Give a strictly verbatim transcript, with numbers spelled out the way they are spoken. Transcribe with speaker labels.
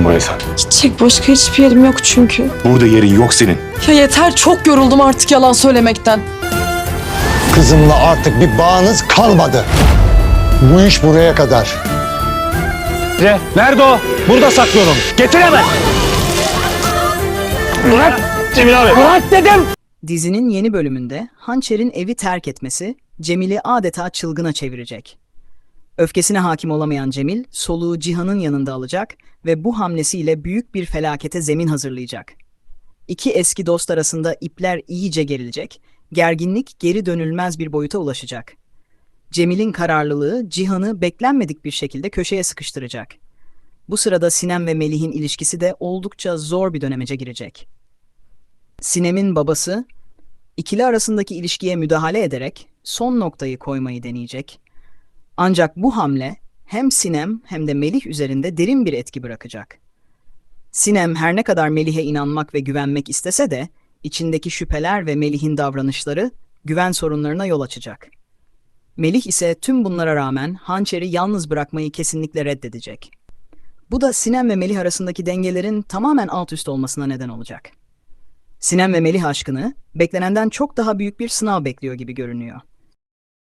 Speaker 1: geldin buraya sen?
Speaker 2: Gidecek başka hiçbir yerim yok çünkü.
Speaker 1: Burada yerin yok senin.
Speaker 2: Ya yeter, çok yoruldum artık yalan söylemekten.
Speaker 3: Kızımla artık bir bağınız kalmadı. Bu iş buraya kadar.
Speaker 4: Nerede o? Burada saklıyorum. Getir hemen. Bırak Cemil abi. Bırak dedim.
Speaker 5: Dizinin yeni bölümünde Hançer'in evi terk etmesi Cemil'i adeta çılgına çevirecek. Öfkesine hakim olamayan Cemil, soluğu Cihan'ın yanında alacak ve bu hamlesiyle büyük bir felakete zemin hazırlayacak. İki eski dost arasında ipler iyice gerilecek, gerginlik geri dönülmez bir boyuta ulaşacak. Cemil'in kararlılığı Cihan'ı beklenmedik bir şekilde köşeye sıkıştıracak. Bu sırada Sinem ve Melih'in ilişkisi de oldukça zor bir dönemece girecek. Sinem'in babası, ikili arasındaki ilişkiye müdahale ederek son noktayı koymayı deneyecek. Ancak bu hamle hem Sinem hem de Melih üzerinde derin bir etki bırakacak. Sinem her ne kadar Melih'e inanmak ve güvenmek istese de içindeki şüpheler ve Melih'in davranışları güven sorunlarına yol açacak. Melih ise tüm bunlara rağmen Hançer'i yalnız bırakmayı kesinlikle reddedecek. Bu da Sinem ve Melih arasındaki dengelerin tamamen alt üst olmasına neden olacak. Sinem ve Melih aşkını beklenenden çok daha büyük bir sınav bekliyor gibi görünüyor.